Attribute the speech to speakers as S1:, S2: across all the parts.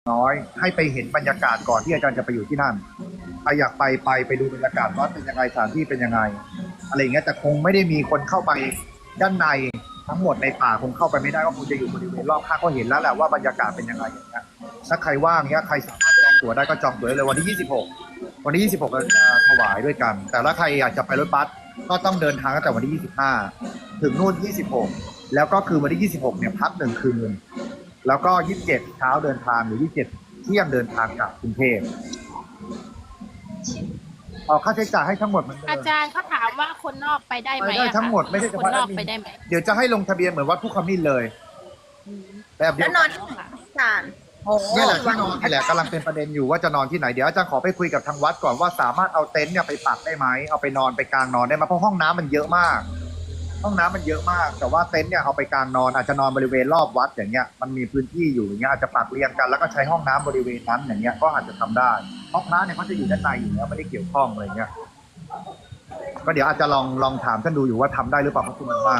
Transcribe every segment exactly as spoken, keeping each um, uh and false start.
S1: น้อยให้ไปเห็นบรรยากาศก่อนที่อาจารย์จะไปอยู่ที่นั่นใครอยากไปไปไปดูบรรยากาศวัดเป็นยังไงสถานที่เป็นยังไงอะไรอย่างเงี้ยแต่คงไม่ได้มีคนเข้าไปด้านในทั้งหมดในป่าคงเข้าไปไม่ได้ก็คงจะอยู่บริเวณรอบข้างก็เห็นแล้วแหละว่าบรรยากาศเป็นยังไงอย่างเงี้ยถ้าใครว่างเงี้ยใครสามารถจองตั๋วได้ก็จองตั๋วได้เลยวันที่ยี่สิบหกวันที่ยี่สิบหกเราจะถวายด้วยกันแต่ถ้าใครอยากจะไปรถบัสก็ต้องเดินทางตั้งแต่วันที่ยี่สิบห้าถึงนู่นยี่สิบหกแล้วก็คือวันที่ยี่สิบหกเนี่ยพักหนึ่งคืนแล้วก็ยี่สิบเจ็ดเช้าเดินทางหรือยี่สิบเจ็ดเที่ยงเดินทางกลับกรุงเทพออกค่าใช้จ่ายให้ทั้งหมดเหมือนเดิม
S2: อาจารย์เขาถามว่าคนนอกไปได้ไหม
S1: ไปได้
S2: อะคะ
S1: ทั้งหมดไม่ใช่เฉ
S2: คน
S1: พาะ
S2: นอก
S1: แอดมิน
S2: ไปได้ไหม
S1: เดี๋ยวจะให้ลงทะเบียนเหมือนวัดผู้ขมิ้นเลยแบบเดี
S3: แล้
S1: ยว วน
S3: อนที่ไหนอาจารย์โอ้โห
S1: นี่แหละที่นอนนี่แหละกำลังเป็นประเด็นอยู่ว่าจะนอนที่ไหนเดี๋ยวอาจารย์ขอไปคุยกับทางวัดก่อนว่าสามารถเอาเต็นท์เนี่ยไปปักได้ไหมเอาไปนอนไปกลางนอนได้ไหมเพราะห้องน้ำมันเยอะมาก ห้องน้ำมันเยอะมาก แต่ว่าเต็นท์เนี่ยเอาไปกลางนอนอาจจะนอนบริเวณรอบวัดอย่างเงี้ยมันมีพื้นที่อยู่อย่างเงี้ยอาจจะปักเรียงกันแล้วก็ใช้ห้องน้ำบริเวณนั้นอย่างเงี้ยก็อาจจะทำได้ห้องน้ำเนี่ยเขาจะอยู่ด้านในอยู่แล้วไม่ได้เกี่ยวข้องอะไรเงี้ยก็เดี๋ยวอาจจะลองลองถามท่านดูอยู่ว่าทำได้หรือเปล่าเพราะคุณมันมาก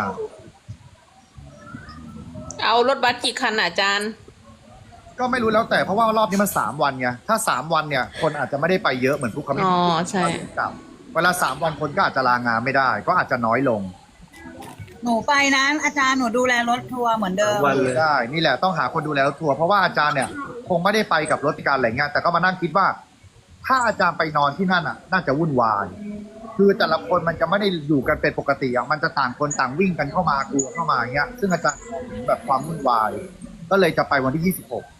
S4: เอารถบัสกี่คันอ่ะอาจารย์
S1: ก็ไม่รู้แล้วแต่เพราะว่ารอบนี้มันสามวันไงถ้าสามวันเนี่ยคนอาจจะไม่ได้ไปเยอะเหมือนผู้คำนิ
S4: อ๋อใช่
S1: กลับเวลาสามวันคนก็อาจจะลางานไม่ได้ ก็อาจจะน้อยลง
S3: หนูไปนะอาจารย์หนูดูแลรถทัวร์เหมือนเดิม
S5: วันเลย
S1: ได้นี่แหละต้องหาคนดูแลรถทัวร์เพราะว่าอาจารย์เนี่ยคงไม่ได้ไปกับรถการอะไรเงี้ยแต่ก็มานั่งคิดว่า ถ้าอาจารย์ไปนอนที่นั่นอ่ะ น่าจะวุ่นวายคือแต่ละคนมันจะไม่ได้อยู่กันเป็นปกติอ่ะมันจะต่างคนต่างวิ่งกันเข้ามากลัวเข้ามาอย่างเงี้ยซึ่งอาจารย์มองเห็นแบบความวุ่นวาย ก็เลยจะไปวันที่ยี่สิบหก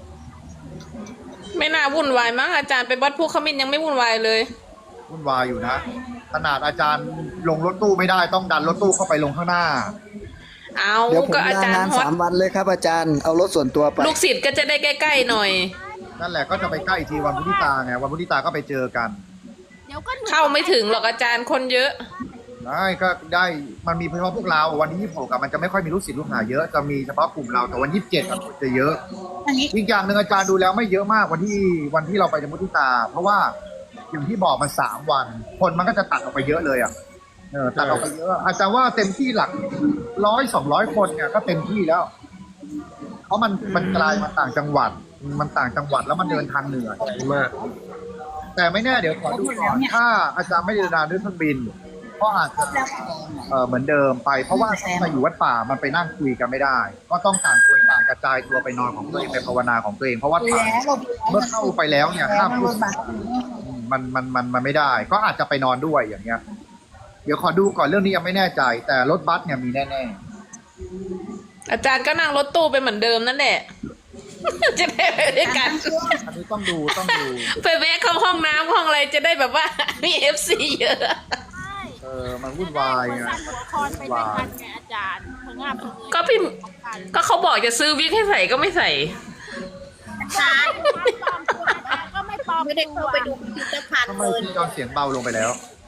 S4: ไม่น่าวุ่นวายมั้งอาจารย์ไปวัดผู้ขมิ้นยังไม่วุ่นวายเลย
S1: วุ่นวายอยู่นะขนาดอาจารย์ลงรถตู้ไม่ได้ต้องดันรถตู้เข้าไปลงข้างหน้า
S4: เอา
S5: เดี๋ยวผม
S4: ก็อา
S5: ลา
S4: จาร
S5: งา
S4: ย์
S5: น
S4: ฮอต
S5: สามวันเลยครับอาจารย์เอารถส่วนตัวไป
S4: ลูกศิษย์ก็จะได้ใกล้ๆหน่อย
S1: นั่นแหละก็จะไปใกล้อีกทีวันพุธที่ตาไงวันพุธที่ตาก็ไปเจอกัน
S2: เดี๋ยวก็หนู
S4: เข้าไม่ถึงหรอกอาจารย์คนเยอะ
S1: ได้ก็ได้มันมีเฉพาะพวกเราวันที่ยี่สิบหกมันจะไม่ค่อยมีลูกศิษย์ลูกหาเยอะจะมีเฉพาะกลุ่มเราแต่วันยี่สิบเจ็ดคนจะเยอะ
S3: อันนี้
S1: อีกอย่างหนึ่งอาจารย์ดูแล้วไม่เยอะมากวันที่วันที่เราไปในมุทิตา เพราะว่าอย่างที่บอกมันสามวัน คนมันก็จะตัดออกไปเยอะเลยอ่ะเออตัดออกไปเยอะ อาจารย์ว่าเต็มที่หลักร้อยสองร้อยคนเนี่ยก็เต็มที่แล้ว เพราะมันมันไกลมันต่างจังหวัด มันต่างจังหวัดแล้วมันเดินทางเหนื่อย
S5: มาก
S1: แต่ไม่แน่เดี๋ยวขอดูก่อนถ้าอาจารย์ไม่ได้เดินทางด้วยเครื่องบินก็อาจจะเออเหมือนเดิมไป เพราะว่ามาอยู่วัดป่ามันไปนั่งคุยกันไม่ได้ ก็ต้องต่างคนต่างกระจายตัวไปนอนของตัวเองไปภาวนาของตัวเองเพราะว่า
S3: ดู
S1: ป่า
S3: แลเรา
S1: เมื่อเข้าไปแล้วเนี่ยห้ามพู
S3: ร
S1: ด
S3: ถบัส
S1: มันมันมันมันไม่ได้ ก็อาจจะไปนอนด้วยอย่างเงี้ย เดี๋ยวขอดูก่อนเรื่องนี้ยังไม่แน่ใจ แต่รถบัสเนี่ยมีแน่
S4: อาจารย์ก็นั่งรถตู้ไปเหมือนเดิมนั่นแหละ จะได้ไปด้วยกัน
S1: ๆอันนี้ต้องดูต้องดู
S4: ไปแวะเข้าห้องน้ำห้องอะไรจะได้แบบว่า มีเอฟซีเยอะ
S1: เออมันวุ่นวาย
S2: หั
S1: ไง
S2: วสั่นหัวคอนไปด้วยกันไงอาจารย์พงาบพงเย
S4: ก็พี่ก็เขาบอกจะซื้อวิกให้ใส่ก็ไม่ใส่
S3: อาจารย์
S2: ปลอมตัวอาจารย์ก็ไม่ปลอม
S3: ไม่ได้
S2: ตั
S3: เข้าว ไปดูพิพิธภัณฑ์
S1: ทำไม
S3: เลย
S1: พี่จอนเสียงเบาลงไปแล้ว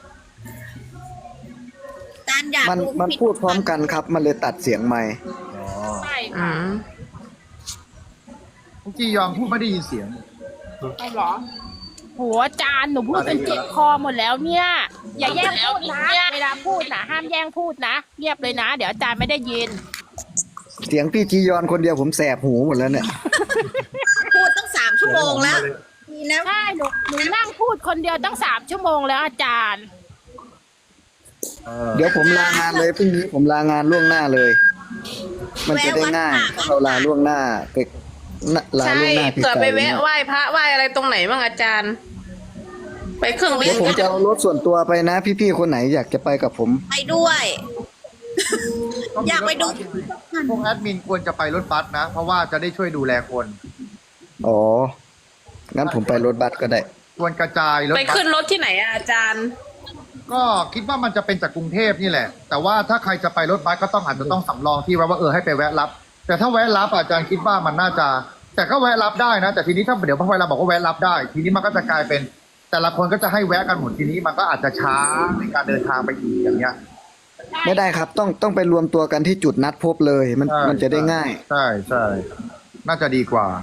S3: อาจารย์อยาก
S5: มัน
S3: ดู
S5: มัน
S3: พิพิธ
S5: พูดพร้อม
S3: ภัณฑ์
S5: กันครับ มันเลยตัดเสียงไม่
S1: อ๋อ
S2: ใช่
S4: อื
S2: ค่ะ
S4: ม
S1: เมื่อกี้ยอมพูดไม่ได้ยินเสียง
S2: เอาเหรอโหอาจารย์หนูพูดจนเจ็บคอหมดแล้วเนี่ย อย่าแย่งพูดนะ เวลาพูดนะห้ามแย่งพูดนะเงียบเลยนะ เดี๋ยวอาจารย์ไม่ได้ยิน
S5: เสียงพี่จียอนคนเดียวผมแสบหูหมดแล้วเนี่ย
S3: พูดตั้งสามชั่วโมงแล้วดีแล้ว
S2: ใช่หนูหนูนั่งพูดคนเดียวตั้งสามชั่วโมงแล้วอาจารย์
S1: เออ
S5: เดี๋ยวผมลางานเลยพรุ่งนี้ผมลางานล่วงหน้าเลย มันจะได้ง่ายถ้าเราลาล่วงหน้าไปลา
S4: ใช่
S5: ล่วงหน้าพี่
S4: เผื่อ
S5: ไก่
S4: ไปแวะไหว้พระไหว้อะไรตรงไหนบ้างอาจารย์ ไปเครื่องบิ
S5: เดี๋
S4: น
S5: ยวผมจะเอารถส่วนตัวไปนะ พี่ๆคนไหนอยากจะไปกับผม
S3: ไปด้วย
S1: ต้องมี
S3: อยากไปดู
S1: รถบัสพวกแอดมินควรจะไปรถบัสนะ เพราะว่าจะได้ช่วยดูแลคน
S5: อ๋อ งั้นผมไปรถบัสก็ได้
S1: ควรกระจายรถ
S4: ไป
S1: บัส
S4: ขึ้นรถที่ไหนอะอาจารย์
S1: ก็คิดว่ามันจะเป็นจากกรุงเทพนี่แหละ แต่ว่าถ้าใครจะไปรถบัสก็ต้องอาจจะต้องสำรองที่ไว้ว่าเออให้ไปแวะรับ แต่ถ้าแวะรับอาจารย์คิดว่ามันน่าจะ แต่ก็แวะรับได้นะ แต่ทีนี้ถ้าเดี๋ยวพอเวลาบอกว่าแวะรับได้ ทีนี้มันก็จะกลายเป็น แต่ละคนก็จะให้แวะกันหมดทีนี้มันก็อาจจะช้าในการเดินทางไปอีกอย่างเงี้ย
S5: ไม่ได้ครับ ต้องต้องไปรวมตัวกันที่จุดนัดพบเลย มัน
S1: ใช่
S5: มันจะได้ง่าย
S1: ใช่ใช่น่าจะดีกว่า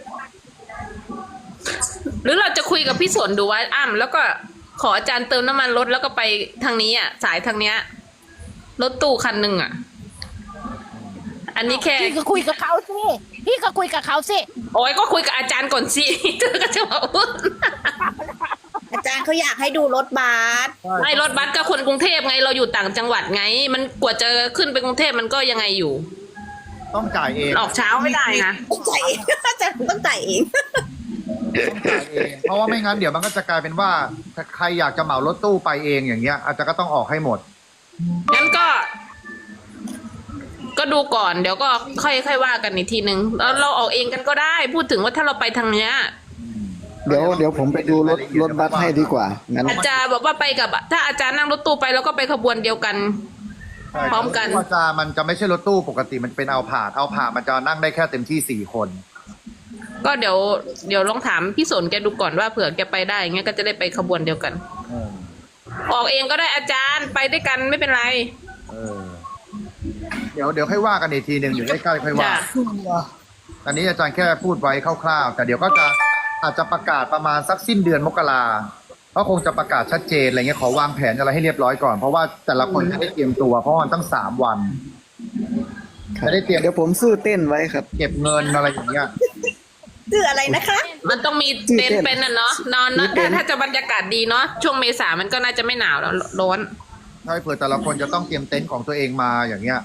S4: หรือเราจะคุยกับพี่สนดูว่าอ้ำแล้วก็ขออาจารย์เติมน้ำมันรถแล้วก็ไปทางนี้อ่ะ สายทางเนี้ยรถตู้คันหนึ่งอ่ะ อันนี้แค่
S2: พี่ก็คุยกับเขาสิพี่ก็คุยกับเขาสิ
S4: โอ้ยก็คุยกับอาจารย์ก่อนสิ เธอก็จะมาพูด
S6: อาจารย์เขาอยากให้ดูรถบัส
S4: ไม่รถบัสก็คนกรุงเทพไงเราอยู่ต่างจังหวัดไง มันกว่าจะขึ้นไปกรุงเทพมันก็ยังไงอยู่
S1: ต้องจ่ายเอง
S4: ออกเช้าไม่ได้นะ
S6: ต้องจ่ายเอง อาจารย์ต้องจ่ายเอง
S1: ต้องจ่ายเองเพราะว่าไม่งั้นเดี๋ยวมันก็จะกลายเป็นว่าถ้าใครอยากจะเหมารถตู้ไปเองอย่างเงี้ย อาจจะก็ต้องออกให้หมด
S4: งั้นก็ ก็ดูก่อนเดี๋ยวก็ค่อยค่อยว่ากันอีกทีนึงแล้วเราออกเองกันก็ได้ พูดถึงว่าถ้าเราไปทางเนี้ย
S5: เดี๋ยวเดี๋ยวผมไปดูรถรถบัสให้ดีกว่างั้น
S4: อาจารย์บอกว่าไปกับถ้าอาจารย์นั่งรถตู้ไปแล้วก็ไปขบวนเดียวกัน พร้อมกัน
S1: ว่าจะมันจะไม่ใช่รถตู้ปกติมันเป็นเอาผาดเอาผาดมันจะนั่งได้แค่เต็มที่สี่คน
S4: ก็เดี๋ยวเดี๋ยวลองถามพี่สนแกดูก่อนว่าเผื่อแกไปได้อย่างเงี้ยก็จะได้ไปขบวนเดียวกัน
S1: เออ
S4: ออกเองก็ได้อาจารย์ไปด้วยกันไม่เป็นไร
S1: เออเดี๋ยวเดี๋ยวค่อยว่ากันอีกทีหนึ่งอยู่ใกล้ๆค่อยว่า
S4: จ้ะ
S1: อันนี้อาจารย์แค่พูดไว้คร่าวๆแต่เดี๋ยวก็จะอาจจะประกาศประมาณสักสิ้นเดือนมกราก็คงจะประกาศชัดเจนอะไรเงี้ยขอวางแผนอะไรให้เรียบร้อยก่อนเพราะว่าแต่ละคนจะได้เตรียมตัวเพราะว่ามันตั้งสามวัน
S5: ครับ
S1: จะได้เตรียม
S5: เดี๋ยวผมซื้อเต้นไว้ครับ
S1: เก็บเงินอะไรอย่างเงี้ย
S6: ชื่ออะไรนะคะ
S4: มันต้องมีเต็นท์เป็นน่ะเนาะนอนเนอะ
S5: มีเต็
S4: ถ้าน
S5: ท์
S4: ถ้าจะบรรยากาศดีเนาะช่วงเมษามันก็น่าจะไม่หนาวแล้วร้อน
S1: ใช่เผื่อแต่ละคนจะต้องเตรียมเต็นท์ของตัวเองมาอย่างเงี้ย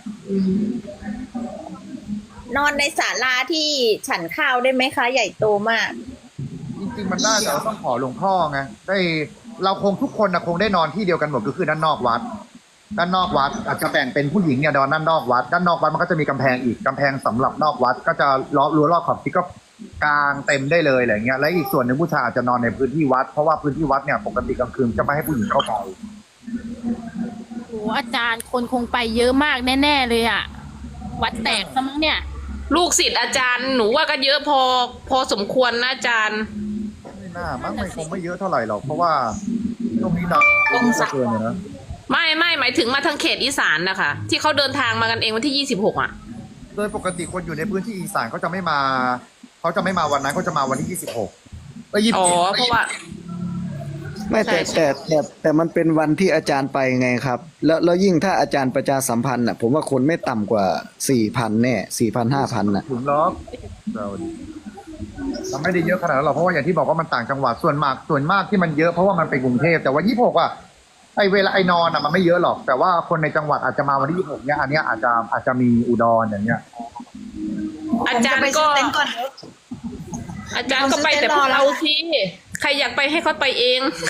S6: นอนในศาลาที่ฉันข้าวได้ไหมคะ ใหญ่โตมาก
S1: จริงๆมันได้แต่เราต้องขอหลวงพ่อไงได้เราคงทุกคนนะคงได้นอนที่เดียวกันหมดก็คือด้านนอกวัด ด้านนอกวัดอาจจะแบ่งเป็นผู้หญิงเนี่ยนอนด้านนอกวัด ด้านนอกวัดมันก็จะมีกำแพงอีกกำแพงสำหรับนอกวัด ก็จะล้อรั้วรอบขอบชิดก็กลางเต็มได้เลยอะไรเงี้ยและอีกส่วนหนึ่งผู้ชายอาจจะนอนในพื้นที่วัดเพราะว่าพื้นที่วัดเนี่ยปกติกลางคืนจะไม่ให้ผู้หญิงเข้าไป
S2: โหอาจารย์คนคงไปเยอะมากแน่ๆเลยอะวัดแตกซะมั้งเนี่ย
S4: ๆลูกศิษย์อาจารย์หนูว่าก็เยอะพอพอสมควรนะอาจารย์
S1: ไม่น่ามั้งไม่คงไม่เยอะเท่าไหร่หรอกเพราะว่าตรงนี้หนักตรงนี้เกินเลยนะ
S4: ไม่ไม่หมายถึงมาทางเขตอีสานนะคะที่เขาเดินทางมากันเองวันที่ยี่สิบหกอ่ะ
S1: โดยปกติคนอยู่ในพื้นที่อีสานเขาจะไม่มาเขาจะไม่มาวันนั้นเขาจะมาวันที่ยี่สิบหกเอ้ยยี่สิ
S4: อ๋
S1: บ
S4: อ
S1: เจ็ด
S4: เพราะว่า
S5: ไม่แต่
S4: ใช่
S5: แต่แต่แต่มันเป็นวันที่อาจารย์ไปไงครับ แล้วแล้วยิ่งถ้าอาจารย์ประชาสัมพันธ์อ่ะ ผมว่าคนไม่ต่ำกว่าสี่พันแน่สี่พันห้าพันน่ะ
S1: ถึงล็อกเราเราไม่ได้เยอะขนาดนั้นหรอกเพราะว่าอย่างที่บอกว่ามันต่างจังหวัดส่วนมากส่วนมากที่มันเยอะเพราะว่ามันเป็นกรุงเทพแต่ว่ายี่สิบหกอ่ะไอเวลาไอนอนอ่ะมันไม่เยอะหรอก แต่ว่าคนในจังหวัดอาจจะมาวันที่ยี่สิบหกเนี่ยอันเนี้ยอาจจะอาจจะมีอุดรอย่างเงี้ย
S4: อาจารย์
S6: ผมจะไปซื้
S4: ก็
S6: อเต็นท์ก่อนเถอะ
S4: อาจารย์ก็ไปแต่พวกเราที่ใครอยากไปให้เขาไปเอง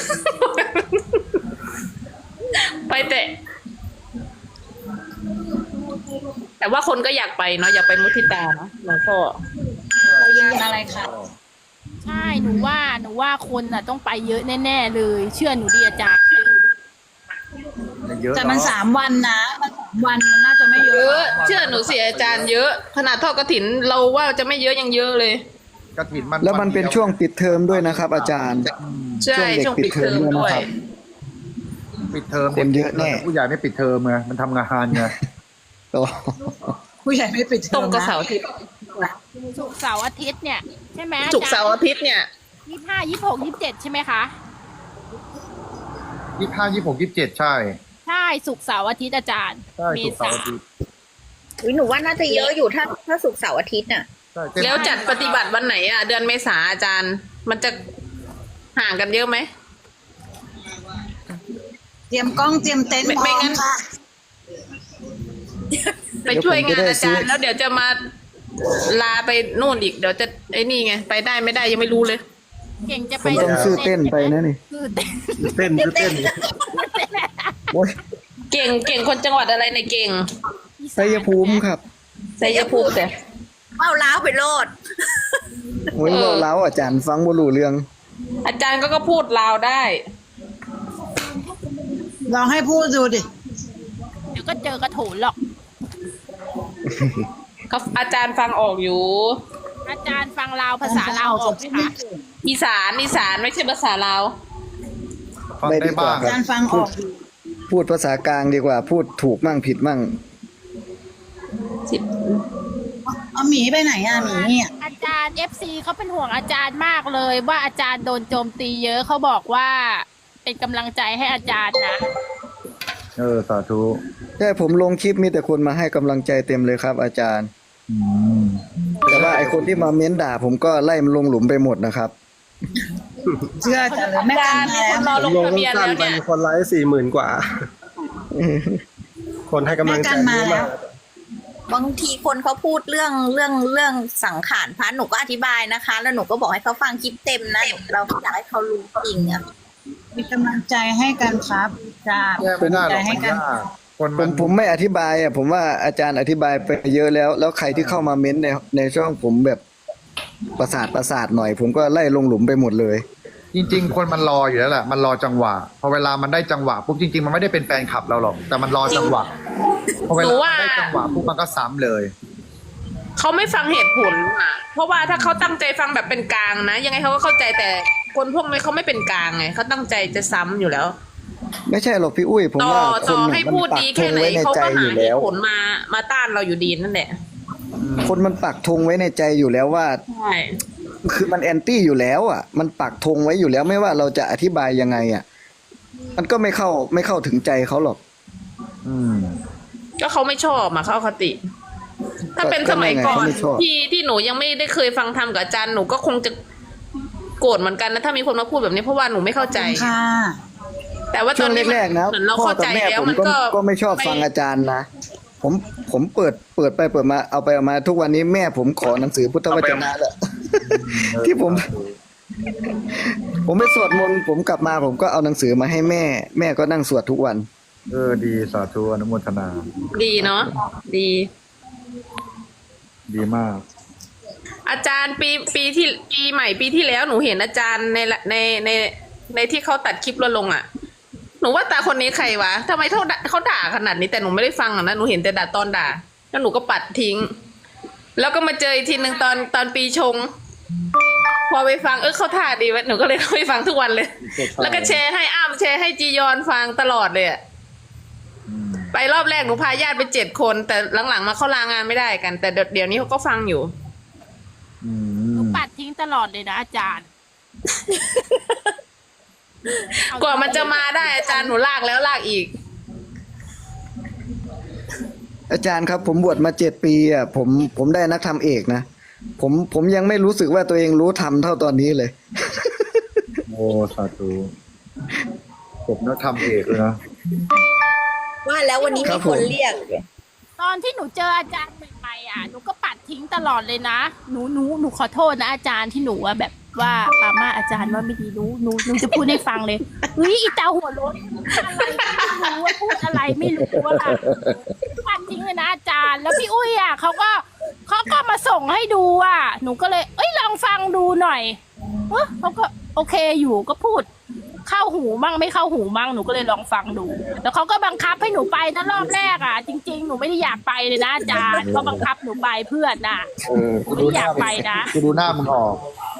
S4: ไปแต่ แต่ว่าคนก็อยากไปเนาะอยากไปมุทิตาเนาะหลวงพ่อ
S3: เรายืนยันอะไรคะ
S2: ใช่หนูว่าหนูว่าคนน่ะต้องไปเยอะแน่ๆเลย เชื่อหนูดีอาจารย์
S1: เยอะ
S3: แต่มัน
S1: เอะ
S3: สามวันนะมันสามวันมันน่าจะไม่เย
S4: เย
S3: อะ
S4: อะเชื่อหนูสิอาจารย์เยอะ ขนาดทอดกระถินเราว่าจะไม่เยอะยังเยอะเลย
S1: กระถินมัน
S5: แล้วมันเป็นช่วงปิดเทอมด้วยนะครับ อาจารย์
S4: ใช่
S5: ช่
S4: ช่ว
S5: ว
S4: ง
S5: งเด็
S4: ปิ
S5: ก
S4: ดเทอม
S5: ปิดเทอมด้
S4: ด้
S5: ว
S4: วย ย
S5: นะครับ
S1: ปิดเทอม
S5: คนเยอะแน่
S1: ผู้ใหญ่ไม่ปิดเทอมไงมันทำงานไง
S5: โอ้
S3: ผู้ใหญ่ไม่ปิดเท
S4: ต
S3: อ
S4: รง
S3: ม
S4: กับ
S3: นะ
S4: เสาร์อาทิตย์
S2: ศุกร์เสาร์อาทิตย์เนี่ยใช่ไหม
S4: ศุกร์เสาร์อาทิตย์เนี่ย
S2: ยี่ห้ายี่หกยี่เจ็ดใช่ไหมคะ
S1: ยี่ห้ายี่หกยี่เจ็ดใช่
S2: ใช่ศุกร์เสาร์อาทิตย์อาจารย์
S1: ใช่
S2: เม
S1: ถูกเสา
S2: ษา
S1: ร์อาทิตย์
S6: อุ๊ยหนูว่าน่าจะเยอะอยู่ถ้าถ้าศุกร์เสาร์อาทิตย์น่ะ
S1: ใช่เต็ม
S4: แล้วจัดปฏิบัติวันไหนอ่ะ เดือนเมษาอาจารย์ มันจะห่างกันเยอะไหม
S3: เตรียมกล้องเตรียมเต็นท์
S4: ไม่
S3: พ
S4: ไม่
S3: ร้อ
S4: งั้
S3: ม
S4: น
S3: ค่ะ
S4: ไปช่วยงานอาจารย์แล้วเดี๋ยวจะมาลาไปนู่นอีกเดี๋ยวจะไอ้นี่ไงไปได้ไม่ได้ยังไม่รู้เลย
S2: เก่งจะ
S5: ผ
S2: ไป
S5: มต้องซื้อเต้นไปนะนี่
S2: ซื้อเต้น
S1: เต้นคือเต้น
S5: โอ้ย
S4: เก่งเก่งคนจังหวัดอะไรในยเก่ง
S5: ชัยภูมิครับ
S4: ชัยภูมิแต่
S6: เอาล้าวไปโลด
S5: โอ้ยเว่าเล้าอาจารย์ฟังบ่รู้เรื่อง
S4: อาจารย์ก็ก็พูดลาวได้
S3: ลองให้พูดดูดิ
S2: เดี๋ยวก็เจอกระโถนหรอก
S4: เขาอาจารย์ฟังออกอยู่
S2: อาจารย์ฟังลาวภาษาลาวออกไหมคะ
S4: อีสานอีสานไม่ใช่ภาษาลาว
S1: ฟัง
S5: ไม่ดี
S1: ได้
S5: กว่า
S1: บ้าง
S5: ครั
S3: การฟังออกอยู่
S5: พูดภาษากลางดีกว่า พูดถูกมั่งผิดมั่ง
S3: เอาหมีไปไหนอ่ะหมีเนี่ย
S2: อาจารย์เอฟซีเขาเป็นห่วงอาจารย์มากเลย ว่าอาจารย์โดนโจมตีเยอะเขาบอกว่า เป็นกำลังใจให้อาจารย์นะ
S1: เออสาธุ
S5: ใช่ผมลงคลิปมีแต่คนมาให้กำลังใจเต็มเลยครับ อาจารย์
S1: อืม
S2: โอ้
S5: แต่ว่าไอคนที่มาเม้นด่าผมก็ไล่มันลงหลุมไปหมดนะครับ
S3: เชื่อจะเลยแม่
S4: อา
S3: กั
S4: จาน รย์
S3: มา
S4: มีคนรอ
S3: แล้ว
S4: ลงทะเบียน
S7: สั้
S4: แล้
S7: น
S4: ว
S7: ไป
S4: เนี่ย
S7: คนไลค์สี่หมื่นกว่า คนให้กำลังใจ
S3: แม่กันมา
S7: เยอะ
S3: แล้
S7: มาว ก
S6: บางทีคนเขาพูดเรื่องเรื่องเรื่องสังขารพระหนูก็อธิบายนะคะ แล้วหนูก็บอกให้เขาฟังคลิปเต็มนะหนูเราอยากให้เขารู้จริงอะ
S3: มีกำลังใจให้กันครับจ้า
S1: แก้ไม่ได้หรอก
S3: ให้
S1: มัน
S3: กัน
S1: ยากคน
S5: ผ
S1: มั
S5: ม
S1: น
S5: ผมไม่อธิบายอ่ะผมว่าอาจารย์อธิบายไปเยอะแล้ว แล้วใครที่เข้ามาเม้นในในช่องผมแบบประสาทประสาทหน่อย ผมก็ไล่ลงหลุมไปหมดเลย
S1: จริง ๆ คนมันรออยู่แล้วแหละมันรอจังหวะพอเวลามันได้จังหวะปุ๊บจริงๆมันไม่ได้เป็นแฟนคลับเราหรอกแต่มันรอจังหวะพอเวลามันได้จังหวะปุ๊บมันก็ซ้ำเลย
S4: เขาไม่ฟังเหตุผลอ่ะ เพราะว่าถ้าเขาตั้งใจฟังแบบเป็นกลางนะ ยังไงเขาก็เข้าใจแต่คนพวกนี้เขาไม่เป็นกลางไงเขาตั้งใจจะซ้ำอยู่แล้ว
S5: ไม่ใช่หรอกพี่อุ้ยผม
S4: ต่อ
S5: ว่าค
S4: ต่
S5: น
S4: อ
S5: น่ะ
S4: ให้
S5: มัน
S4: พูด
S5: ปัก
S4: ดี
S5: ธ
S4: แค่
S5: ง
S4: ไหน
S5: ไว้ใน
S4: เขา
S5: ใจ
S4: ก็
S5: อ
S4: หา
S5: ยู่
S4: เห
S5: แล้ว
S4: ตุผลมามาต้านเราอยู่ดีนั่นแหละ
S5: คนมันปักธงไว้ในใจอยู่แล้วว่า
S4: ใช่
S5: คือมันแอนตี้อยู่แล้วอ่ะ มันปักธงไว้อยู่แล้วไม่ว่าเราจะอธิบายยังไงอ่ะ มันก็ไม่เข้าไม่เข้าถึงใจเขาหรอก
S1: อืม
S4: ก็เขาไม่ชอบอ่ะเขาอคติ ถ้าเป็นสมัยก่อน
S5: ก็ไงเขาไม่ชอบ
S4: ที่ที่หนูยังไม่ได้เคยฟังธรรมกับอาจารย์หนูก็คงจะโกรธเหมือนกันนะถ้ามีคนมาพูดแบบนี้เพราะว่าหนูไม่เข้าใจ
S3: ค่ะ
S4: แต่ว่าต
S5: ช่
S4: อ
S5: วน ง
S4: นี้
S5: แรกๆนะ
S4: เหมือนเรา
S5: พ่อ
S4: เข้า
S5: กับ
S4: ใจ
S5: แม่
S4: แล้ว
S5: ผม
S4: มัน
S5: ก็
S4: ก็
S5: ก็ไม่ชอบฟังอาจารย์นะ ผมผมเปิดเปิดไปเปิดมาเอาไปเอามาทุกวันนี้แม่ผมขอหนังสือพุทธวจนะแหละ ที่ผม ผมไปสวดมนต์ผมกลับมาผมก็เอาหนังสือมาให้แม่ แม่ก็นั่งสวดทุกวัน
S1: เออดีสาธุอนุโมทนา
S4: ดีเนาะดี
S1: ดีมาก
S4: อาจารย์ปีปีที่ปีใหม่ปีที่แล้วหนูเห็นอาจารย์ในละในในในที่เขาตัดคลิปเราลงอ่ะ หนูว่าตาคนนี้ใครวะทำไมเขาด่าเขาด่าขนาดนี้แต่หนูไม่ได้ฟังอ่ะนะหนูเห็นแต่ด่าตอนด่าแล้วหนูก็ปัดทิ้ง แล้วก็มาเจออีกทีหนึ่งตอนตอนปีชง พอไปฟังเออเขาท่าดีวะหนูก็เลยไปฟังทุกวันเลย แล้วก็แชร์ให้อ้ำแชร์ให้จียอนฟังตลอดเลยอะไปรอบแรกหนูพาญาติไปเจ็ดคน แต่หลังๆมาเขาลางานไม่ได้กัน แต่เดี๋ยวนี้เขาก็ฟังอยู่
S1: อื
S2: หนู
S1: ม
S2: ปัดทิ้งตลอดเลยนะอาจารย์
S4: กว่ามันจะมาได้อาจารย์หนูลากแล้วลากอีก
S5: อาจารย์ครับ ผมบวชมาเจ็ดปีอ่ะผมผมได้นักธรรมเอกนะผมผมยังไม่รู้สึกว่าตัวเองรู้ธรรมเท่าตอนนี้เลย
S1: โอ้สาธุผมนักทำเอกเลยนะ
S6: ว่าแล้ววันนี้
S5: ครั
S6: มี
S5: บ
S6: ค
S5: ผม
S6: นเรียก
S2: ตอนที่หนูเจออาจารย์ใหม่ๆอ่ะหนูก็ปัดทิ้งตลอดเลยนะหนูหนูหนูขอโทษนะอาจารย์ที่หนูอะแบบว่าปามาอาจารย์ว่าไม่ดีหนูหนูหนูจะพูดให้ฟังเลยเฮ้ยอีตาหัวรถอะไรไม่รู้ว่าพูดอะไรไม่รู้ว่าปัดทิ้งเลยนะอาจารย์แล้วพี่อุ้ยอ่ะเขาก็เขาก็มาส่งให้ดูอ่ะหนูก็เลยเอ้ยลองฟังดูหน่อยเออเขาก็โอเคอยู่ก็พูด เข้าหูมั่งไม่เข้าหูมั่งหนูก็เลยลองฟังดู แล้วเขาก็บังคับให้หนูไปนะรอบแรกอ่ะ จริงๆหนูไม่ได้อยากไปเลยนะอาจารย์เขาบังคับหนูไปเพื่อนน่ะ
S1: เออกูดูหน้า
S2: ไม่อยากไปนะ
S1: กูดูหน้ามึงออก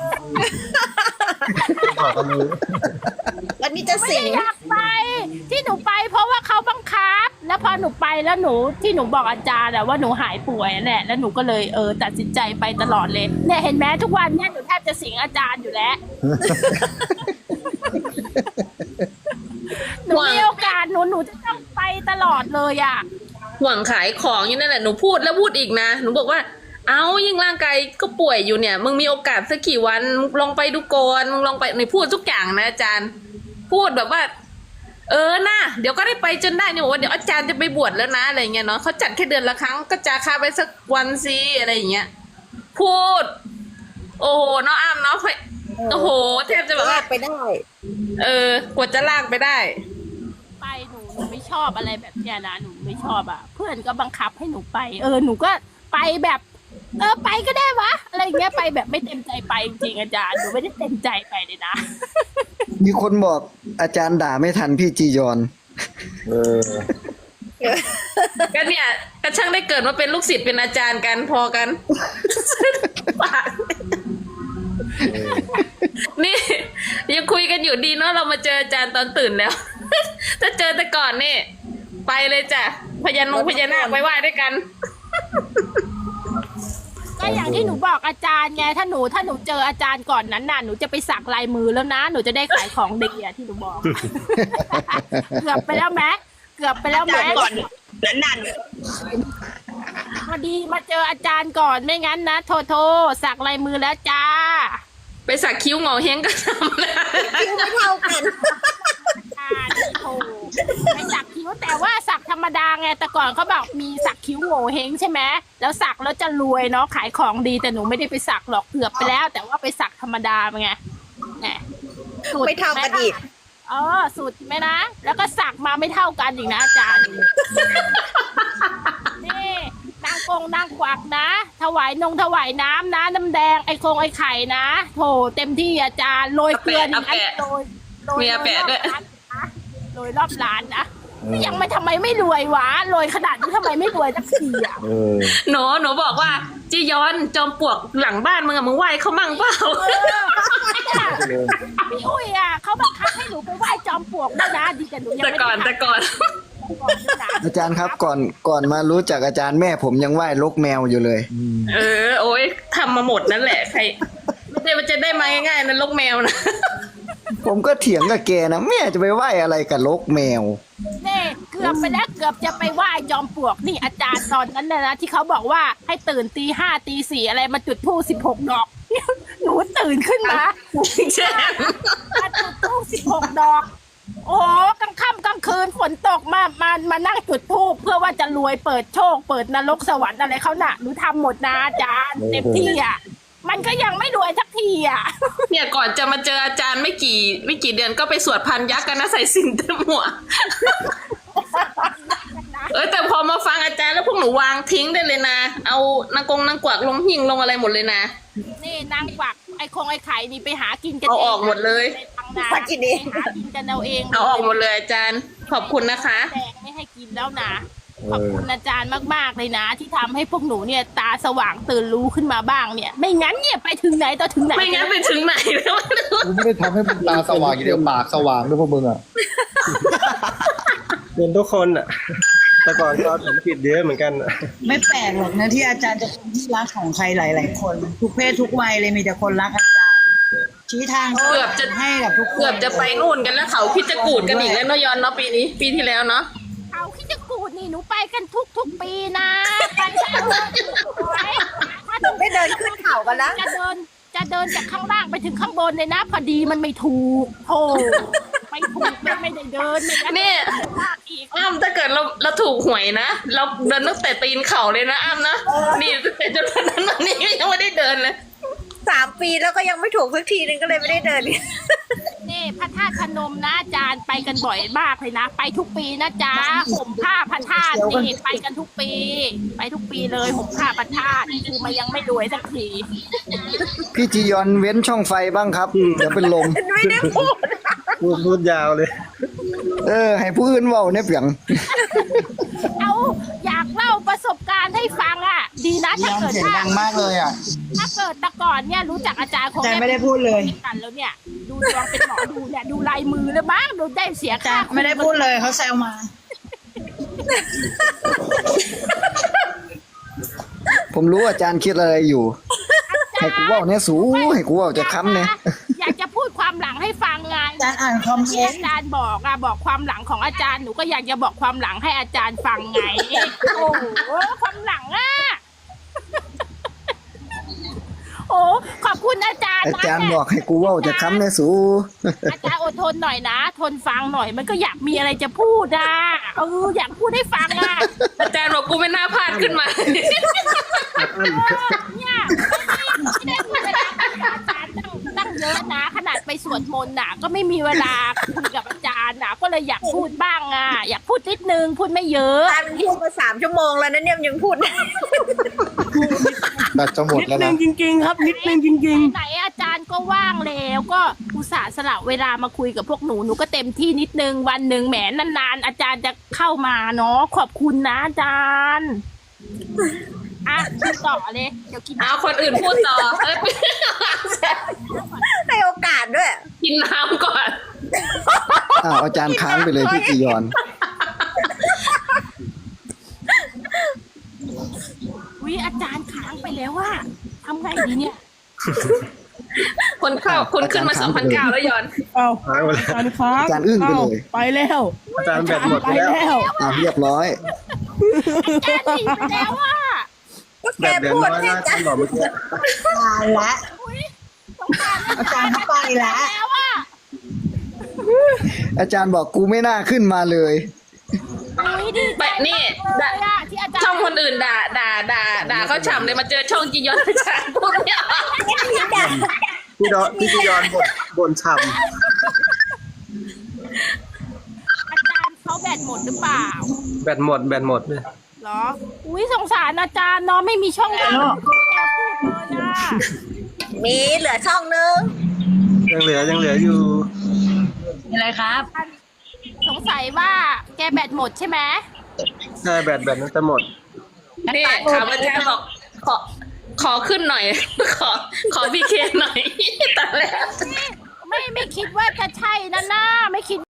S1: บอกกันเลย
S6: แล้วนี่จะ
S2: ไม่
S6: สิ
S2: ได้
S6: ง
S2: อยากไป ที่หนูไป เพราะว่าเขาบังคับ แล้วพอหนูไปแล้วหนูที่หนูบอกอาจารย์อะว่าหนูหายป่วยแหละแล้วหนูก็เลยเออตัดสินใจไปตลอดเลยเนี่ยเห็นไหมทุกวันเนี่ยหนูแทบจะสิงอาจารย์อยู่แล้ว หนูมีโอกาสหนูหนูจะต้องไปตลอดเลยอ่ะ
S4: ห่วงขายของอยู่นั่นแหละหนูพูดแล้วพูดอีกนะหนูบอกว่า เอายิ่งร่างกายก็ป่วยอยู่เนี่ยมึงมีโอกาสสักกี่วันมึงลองไปดูก่อนมึงลองไปหนูพูดทุกอย่างนะอาจารย์ พูดแบบว่า เออนะเดี๋ยวก็ได้ไปจนได้เนี่ยบอกว่าเดี๋ยวอาจารย์จะไปบวชแล้วนะอะไรเงี้ยเนาะเขาจัดแค่เดือนละครั้งก็จะค่าไปสักวันสิอะไรอย่างเงี้ยพูด โอ้โหเนาะอ้ามเนาะโอ้โหแทบจะแบบ
S6: ลา
S4: ว่า
S6: กไปได้
S4: เออกว่าจะลากไปได้
S2: ไปหนูหนูไม่ชอบอะไรแบบเนี้ยนะหนูไม่ชอบอ่ะ เพื่อนก็บังคับให้หนูไป เออหนูก็ไปแบบ เออไปก็ได้วะอะไรเงี้ยไปแบบไม่เต็มใจไปจริงๆอาจารย์หนูไม่ได้เต็มใจไปเลยนะ
S5: มีคนบอกอาจารย์ด่าไม่ทันพี่จียอน
S1: เออ
S4: ก็เนี่ยก็ช่างได้เกิดมาเป็นลูกศิษย์เป็นอาจารย์กันพอกัน ปากนี่ยังคุยกันอยู่ดีเนาะเรามาเจออาจารย์ตอนตื่นแล้ว ถ้าเจอแต่ก่อนนี่ไปเลยจ้ะพญานุพญานาคไปไหว้ด้วยกัน
S2: ก็อย่างที่หนูบอกอาจารย์ไงถ้าหนูถ้าหนูเจออาจารย์ก่อนนั้นน่ะหนูจะไปสักลายมือแล้วนะหนูจะได้ขายของดีอะที่หนูบอก เกือบไปแล้วไหมเกือบไปแล้วไหม
S6: ก่อนนั้นนั่น
S2: ไม่อดีมาเจออาจารย์ก่อนไม่งั้นนะโทโทสักลายมือแล้วจ้า
S4: ไปสักคิ้วงอเฮงก็ทำนะ
S6: คิ้วไม่เท่ากัน
S2: อ่านี่โทไปสักคิ้วแต่ว่าสักธรรมดาไงแต่ก่อนเขาบอกมีสักคิ้วโง่เฮงใช่ไหมแล้วสักแล้วจะรวยเนาะขายของดีแต่หนูไม่ได้ไปสักหรอกเกือบไปแล้ว แต่ว่าไปสักธรรมดาไงแหมสุด
S6: ไม่เท่ากันอีก
S2: เออสุดไหมนะแล้วก็สักมาไม่เท่ากันอีกนะอาจารย์นี่นางกงนางกวักนะ ถวายนงถวายน้ำนะน้ำแดงไอโคงไอไข่นะโถเต็มที่อาจารย์โรยเกลือนี่ไอ้โรยโรย
S4: มีอาแปะด้วย
S2: โรยรอบร้านนะยังไม่ทำไมไม่รวยวะโรยขนาดนี้ทำไมไม่รวยสักทีอ่ะ
S5: เออ
S4: หนูหนูบอกว่าจียอนจอมปลวกหลังบ้านมึงอะมึงไหว้เขามั่งเปล่า
S2: เออพี่อุ้ยอ่ะเขาบังคับให้หนูไปไหว้จอมปลวกด้วยนะดีแต่หนูยัง
S4: แต่
S2: ไม่
S4: ก่อน
S2: ได้
S4: แต่ก่อน
S2: ก่อนด้วยนะ
S5: อาจารย์ครับก่อนก่อนมารู้จักอาจารย์แม่ผมยังไหว้ลกแมวอยู่เลย
S4: เออ โอ้ยทำมาหมดนั่นแหละใครไม่ได้มันจะได้มาง่ายๆนะลกแมวนะ
S5: ผมก็เถียงกับแกนะแม่จะไปไหว้อะไรกับลกแมว
S2: นี่เกือบไปแล้วเกือบจะไปไหว้จอมปลวกนี่อาจารย์ตอนนั้นนะนะที่เขาบอกว่าให้ตื่นตีห้าตีสี่อะไรมาจุดพลุสิบหกดอก หนูตื่นขึ้นมา
S4: ใช่
S2: มาจุดพลุสิบหกดอก โอ้กลางค่ำกลางคืนฝนตกมามามานั่งจุดธูปเพื่อว่าจะรวยเปิดโชค เปิดนรกสวรรค์อะไรเขาน่ะหนูทำหมดนะอาจารย์เต็มที่อ่ะมันก็ยังไม่รวยสักทีอ่ะ
S4: เนี่ยก่อนจะมาเจออาจารย์ไม่กี่ไม่กี่เดือนก็ไปสวดพันยักษ์กันนะใส่สินเต็มหัว เออแต่พอมาฟังอาจารย์แล้วพวกหนูวางทิ้งได้เลยนะ เอานางกงนางกวักลงหิ่งลงอะไรหมดเลยนะ
S2: นี่นางกวักไอ้คงไอ้ไข่นี่ไปหากินกัน
S4: เอาออกหมดเลย
S2: ไปทางนา
S6: หากินเอง
S2: ไปหากินกันเอาเอง
S4: เอาออกหมดเลยอาจารย์ขอบคุณนะคะ
S2: แดงไม่ให้กินแล้วนะขอบคุณอาจารย์มากๆเลยนะ ที่ทำให้พวกหนูเนี่ยตาสว่างตื่นรู้ขึ้นมาบ้างเนี่ย ไม่งั้นเนี่ยไปถึงไหนต่อถึงไหน
S4: ไม่งั้นไปถึงไหนแล้วไม่รู้
S1: กูไม่ได้ทำให้มึงตาสว่างอย่างเดียวปากสว่างด้วยพวกมึงอ่ะ
S7: เป็นทุกคนอ่ะ แต่ก่อนก็ผมผิดเยอะเหมือนกันอะ
S3: ไม่แปลกหรอกนะที่อาจารย์จะเป็นที่รักของใครหลาย ๆ คน ทุกเพศทุกวัยเลยมีแต่คนรักอาจารย์ ชี้ทาง
S4: เกือบจะ
S3: ให้กับทุกคน
S4: เกือบจะไปนู่นกันแล้วเขาคิดจะกูดกันอีกแล้วเนาะยอนเนาะปีนี้ ปีที่แล้วเนาะ
S2: เขาคิดจะกูดนี่หนูไปกันทุกทุกๆปีนะไปกันเลยถ้าหนู
S6: ไม่เดินขึ้นเขากันแล้ว
S2: จะเดินจะเดินจากข้างล่างไปถึงข้างบนเลยนะ พอดีมันไม่ถูกโธ่ไม่ถูกไม่ไม่ได้เดินไม่งั้น
S4: นี่
S2: ลากอีก
S4: อ้ำถ้าเกิดเราเราถูกหวยนะเราเดินตั้งแต่ตีนเข่าเลยนะอ้ำนะนี่ตั้งแต่จนวันนั้นวันนี้ยังไม่ได้เดินเลย
S6: สามปีแล้วก็ยังไม่ถูกสักทีนึงก็เลยไม่ได้เดิน
S2: นี่พระธาตุพนมนะอาจารย์ไปกันบ่อยมากเลยนะ ไปทุกปีนะจ๊ะห่มผ้าพระธาตุนี่ไปกันทุกปี ไปทุกปีเลยห่มผ้าพระธาตุคือมันยังไม่รวยสักที
S5: พี่จียอนเว้นช่องไฟบ้างครับ เดี๋ยวเป็นลม
S6: ไม่ได้พูด
S7: พูดพูดยาวเลย
S5: เออ ให้ผู้อื่นเว้าเนี่ยเปียง
S2: เอาอยากเล่าประสบการณ์ให้ฟังอ่ะ ดีนะถ้า
S3: ยัง
S2: เกิด
S3: เสียง
S2: ว่า
S3: ดังมากเลยอ่ะ
S2: ถ้าเกิดแต่ก่อนเนี่ยรู้จักอาจารย์คง
S3: แต่ไม่ได้พูดเลย
S2: กันแล้วเนี่ย ดูดวงเป็นหมอดูเนี่ยดูลายมือแล้วมั้งดูได้เสีย
S3: อาจา
S2: ค่าร
S3: ย์ไม่ได้พูดเลยเขาแซวมา
S5: ผมรู้อาจารย์คิดอะไรอยู่ ให้กูเว้าเนี่ยสูให้กูเว้าจะค้ำเนี่ย
S2: อยากจะพูดความหลังให้ฟังไง
S3: อาจารย์อ่านคอมเม
S2: ที่
S3: น
S2: อา
S3: ต์
S2: จารย์บอกอะบอกความหลังของอาจารย์หนูก็อยากจะบอกความหลังให้อาจารย์ฟังไง โอ้โหความหลังอะโอ้ขอบคุณอาจารย์
S5: อา
S2: นะ
S5: จารย์บอกให้กูเว้าจะค้ำเนี่ยสู
S2: อาจารย์อดทนหน่อยนะ ทนฟังหน่อยมันก็อยากมีอะไรจะพูดอะเอออยากพูดให้ฟังอะ
S4: อาจารย์บอกกูไม่น่าพลาดขึ้นมา
S2: เนี่ยไม่ได้พูดเวลาคุยกับอาจารย์ตั้งตั้งเยอะนะ ขนาดไปสวดมนต์น่ะ ก็ไม่มีเวลาคุยกับอาจารย์น่ะ ก็เลยอยากพูดบ้างอ่ะ อยากพูดนิดนึงพูดไม่เยอะ
S6: ตายมันพูดมาสามชั่วโมงแล้วนะเนี่ยมันยังพูดได้
S1: แบตจะหมดแล้วนะ
S2: จริงๆครับนิดนึงจริงๆไหนอาจารย์ก็ว่างแล้วก็อุตส่าห์สละเวลามาคุยกับพวกหนูหนูก็เต็มที่นิดนึงวันหนึ่งแหมนานๆอาจารย์จะเข้ามาเนาะขอบคุณนะอาจารย์อ่ะพูดต่อเลยเดี๋ยวกิน
S4: เอาคนอื่นพูดต่อเอ้ย
S6: ให้โอกาสด้วย
S4: กินน้ำก่อน
S5: อ้าวอาจารย์ค้างไปเลยพี่จียอน
S2: วิอาจารย์ค้างไปแล้วว่าทำไงดีเนี่ย
S4: คนเข้าคนขึ้นมาสองพันเก้าแล้วยอน
S8: เอา
S7: หายหมดแล้ว
S8: อาจารย์ค้าง
S5: อาจารย์อึ้งไปเลย
S8: ไปแล้ว
S7: อาจารย์แบตหมด
S8: ไป
S7: ไปแล้ว
S8: แล้ว
S5: อ้าวเรียบร้อย
S2: อาจารย์หนีไปแล้วว่า
S6: แก
S7: แบบเดือน
S6: พูด
S7: น้อย
S6: ให้
S7: นะอา
S6: จั
S7: จาร
S6: น
S7: ย์บอกเมื่อกี้
S3: ตายละ
S2: สงสาร
S3: อาจารย์เข้าไปแล้ว
S2: แล้วอ่ะ
S5: อาจารย์บอกกูไม่น่าขึ้นมาเลย
S2: อุ้ยดีใจ
S4: แบบนี่
S2: เล
S4: ด่าย
S2: อะที่อาจารย์
S4: ช่องคนอื่นด่าด่าด่าด่าเขาฉ่ำเลยมาเจอช่องจียอนอาจารย์พูดไม่ออก
S7: พี่ดอนพี่จียอนบนบนฉ่
S2: อาจารย์เขาแบตหมดหรือเปล่า
S7: ำแบตหมดแบตหมดเลย
S2: เหรอ อุ้ยสงสารอาจารย์เนาะไม่มีช่องว่างแกพูดเลยอะ
S6: มีเหลือช่องนึง
S7: ยังเหลือยังเหลืออยู่
S3: มีอะไรครับ
S2: สงสัยว่าแกแบตหมดใช่ไหม
S7: ใช่แบตแบตนั้นจะหมด
S4: นี่ถามอาจารย์บอกขอขอขึ้นหน่อย ขอขอพีเคหน่อย ตอนแรก
S2: ไม่ไม่คิดว่าจะใช่นะหน้าไม่คิด